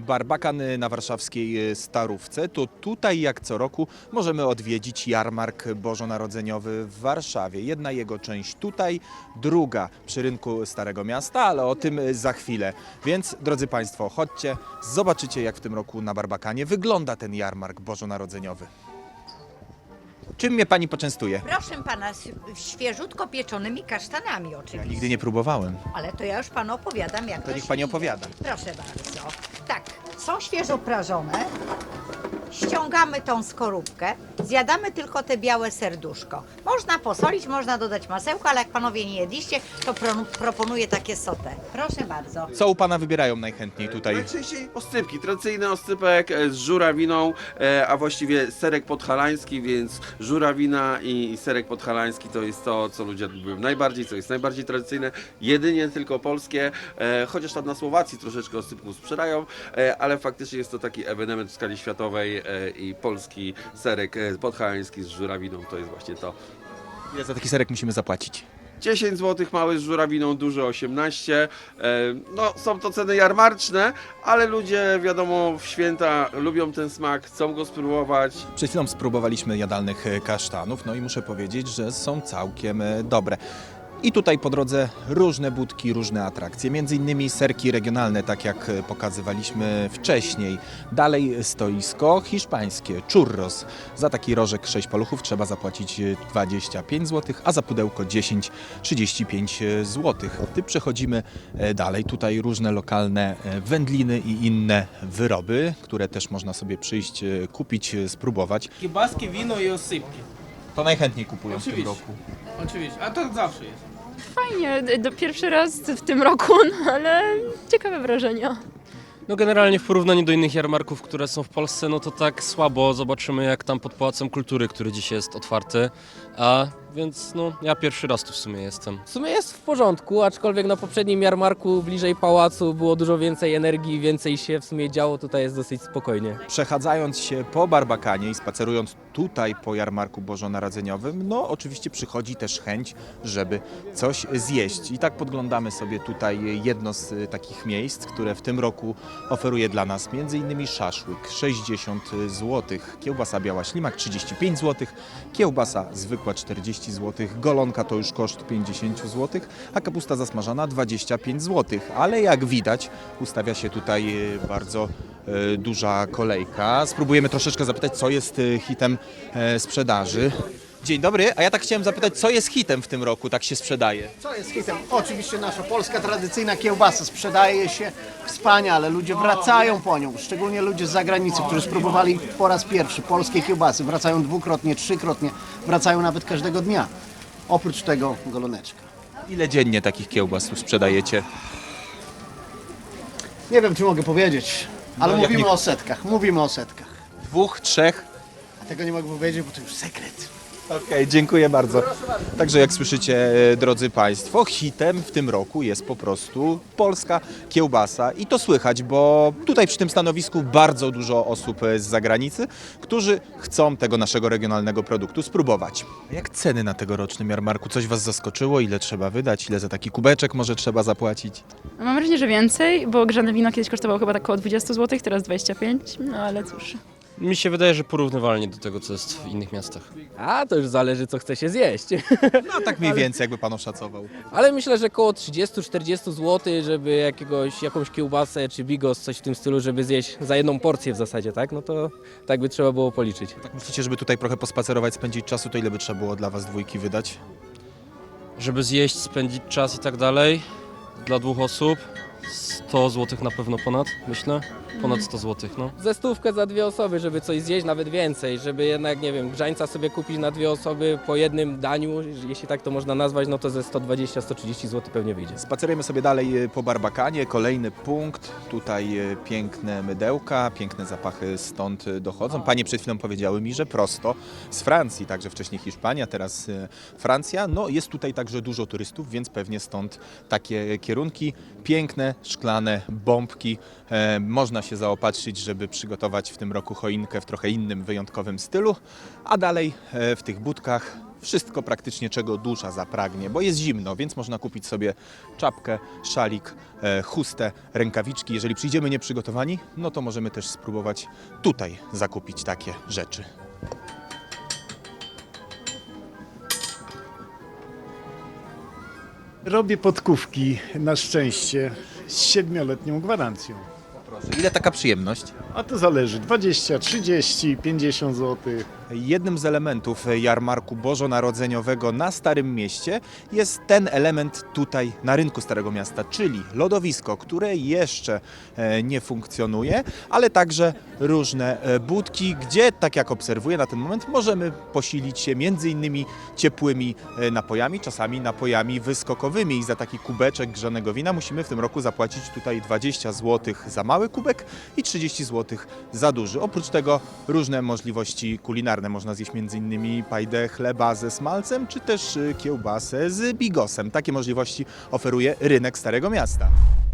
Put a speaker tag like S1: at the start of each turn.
S1: Barbakan na warszawskiej Starówce, to tutaj jak co roku możemy odwiedzić jarmark bożonarodzeniowy w Warszawie. Jedna jego część tutaj, druga przy rynku Starego Miasta, ale o tym za chwilę. Więc drodzy Państwo, chodźcie, zobaczycie jak w tym roku na Barbakanie wygląda ten jarmark bożonarodzeniowy. Czym mnie Pani poczęstuje?
S2: Proszę pana, świeżutko pieczonymi kasztanami
S1: Ja
S2: oczywiście.
S1: nigdy nie próbowałem.
S2: Ale to ja już panu opowiadam, jak
S1: To niech
S2: się
S1: pani
S2: je.
S1: opowiada.
S2: Proszę bardzo. Tak, są świeżo prażone. Ściągamy tą skorupkę. Zjadamy tylko te białe serduszko. Można posolić, można dodać masełko, ale jak panowie nie jedliście, to proponuję takie sotę. Proszę bardzo.
S1: Co u Pana wybierają najchętniej tutaj?
S3: Najczęściej oscypki, tradycyjny oscypek z żurawiną, a właściwie serek podhalański, więc żurawina i serek podhalański to jest to, co ludzie lubią najbardziej, co jest najbardziej tradycyjne, jedynie tylko polskie, chociaż tam na Słowacji troszeczkę oscypków sprzedają, ale faktycznie jest to taki ewenement w skali światowej i polski serek podhalański z żurawiną to jest właśnie to.
S1: Ile za taki serek musimy zapłacić?
S3: 10 zł mały z żurawiną, duży 18. No, są to ceny jarmarczne, ale ludzie, wiadomo, w święta lubią ten smak, chcą go spróbować.
S1: Przed chwilą spróbowaliśmy jadalnych kasztanów, no i muszę powiedzieć, że są całkiem dobre. I tutaj po drodze różne budki, różne atrakcje, między innymi serki regionalne, tak jak pokazywaliśmy wcześniej. Dalej stoisko hiszpańskie, churros. Za taki rożek 6 paluchów trzeba zapłacić 25 zł, a za pudełko 10-35 zł. Ty przechodzimy dalej, tutaj różne lokalne wędliny i inne wyroby, które też można sobie przyjść, kupić, spróbować.
S4: Kiełbaski, wino i osypki.
S1: To najchętniej kupują w tym
S4: Oczywiście.
S1: roku.
S4: Oczywiście, a tak zawsze jest.
S5: Fajnie, pierwszy raz w tym roku, no ale ciekawe wrażenia.
S6: No generalnie w porównaniu do innych jarmarków, które są w Polsce, no to tak słabo. Zobaczymy jak tam pod Pałacem Kultury, który dzisiaj jest otwarty. Więc no ja pierwszy raz tu w sumie jestem.
S7: W sumie jest w porządku, aczkolwiek na poprzednim jarmarku bliżej pałacu było dużo więcej energii, więcej się w sumie działo, tutaj jest dosyć spokojnie.
S1: Przechadzając się po Barbakanie i spacerując tutaj po jarmarku bożonarodzeniowym, no oczywiście przychodzi też chęć, żeby coś zjeść. I tak podglądamy sobie tutaj jedno z takich miejsc, które w tym roku oferuje dla nas m.in. szaszłyk 60 zł, kiełbasa biała ślimak 35 zł, kiełbasa zwykła 40 zł, golonka to już koszt 50 zł, a kapusta zasmażana 25 zł. Ale jak widać ustawia się tutaj bardzo duża kolejka. Spróbujemy troszeczkę zapytać, co jest hitem sprzedaży. Dzień dobry, a ja tak chciałem zapytać, co jest hitem w tym roku, tak się sprzedaje?
S8: Co jest hitem? Oczywiście nasza polska tradycyjna kiełbasa sprzedaje się wspaniale, ludzie wracają po nią, szczególnie ludzie z zagranicy, którzy spróbowali po raz pierwszy polskie kiełbasy, wracają dwukrotnie, trzykrotnie, wracają nawet każdego dnia. Oprócz tego goloneczka.
S1: Ile dziennie takich kiełbas tu sprzedajecie?
S8: Nie wiem, czy mogę powiedzieć, ale
S1: No, jak
S8: mówimy
S1: nie-
S8: o setkach, mówimy o setkach.
S1: 2, 3?
S8: A tego nie mogę powiedzieć, bo to już sekret.
S1: Okej, dziękuję bardzo. Także jak słyszycie, drodzy Państwo, hitem w tym roku jest po prostu polska kiełbasa i to słychać, bo tutaj przy tym stanowisku bardzo dużo osób z zagranicy, którzy chcą tego naszego regionalnego produktu spróbować. Jak ceny na tegorocznym jarmarku? Coś Was zaskoczyło? Ile trzeba wydać? Ile za taki kubeczek może trzeba zapłacić?
S5: Mam wrażenie, że więcej, bo grzane wino kiedyś kosztowało chyba tak około 20 zł, teraz 25, no ale cóż.
S6: Mi się wydaje, że porównywalnie do tego, co jest w innych miastach.
S7: A to już zależy, co chce się zjeść.
S1: No tak mniej więcej, jakby Pan oszacował.
S7: Ale myślę, że około 30-40 zł, żeby jakąś kiełbasę czy bigos, coś w tym stylu, żeby zjeść za jedną porcję w zasadzie, tak? No to tak by trzeba było policzyć.
S1: Tak myślicie, żeby tutaj trochę pospacerować, spędzić czasu, to ile by trzeba było dla Was dwójki wydać?
S6: Żeby zjeść, spędzić czas i tak dalej, dla 2 osób, 100 zł na pewno ponad, myślę. Ponad 100 zł, no.
S7: Ze stówkę za 2 osoby, żeby coś zjeść, nawet więcej, żeby jednak, nie wiem, grzańca sobie kupić na 2 osoby po jednym daniu, jeśli tak to można nazwać, no to ze 120-130 zł pewnie wyjdzie.
S1: Spacerujemy sobie dalej po Barbakanie, kolejny punkt, tutaj piękne mydełka, piękne zapachy stąd dochodzą. Panie przed chwilą powiedziały mi, że prosto z Francji, także wcześniej Hiszpania, teraz Francja. No jest tutaj także dużo turystów, więc pewnie stąd takie kierunki. Piękne, szklane bombki. Można się zaopatrzyć, żeby przygotować w tym roku choinkę w trochę innym, wyjątkowym stylu. A dalej w tych budkach wszystko praktycznie, czego dusza zapragnie, bo jest zimno, więc można kupić sobie czapkę, szalik, chustę, rękawiczki. Jeżeli przyjdziemy nieprzygotowani, no to możemy też spróbować tutaj zakupić takie rzeczy.
S9: Robię podkówki na szczęście z 7-letnią gwarancją.
S1: Proszę, ile taka przyjemność?
S9: A to zależy 20, 30, 50 zł.
S1: Jednym z elementów jarmarku bożonarodzeniowego na Starym Mieście jest ten element tutaj na rynku Starego Miasta, czyli lodowisko, które jeszcze nie funkcjonuje, ale także różne budki, gdzie, tak jak obserwuję na ten moment, możemy posilić się między innymi ciepłymi napojami, czasami napojami wyskokowymi i za taki kubeczek grzanego wina musimy w tym roku zapłacić tutaj 20 zł za mały kubek i 30 zł za duży. Oprócz tego różne możliwości kulinarne. Można zjeść m.in. pajdę chleba ze smalcem, czy też kiełbasę z bigosem. Takie możliwości oferuje rynek Starego Miasta.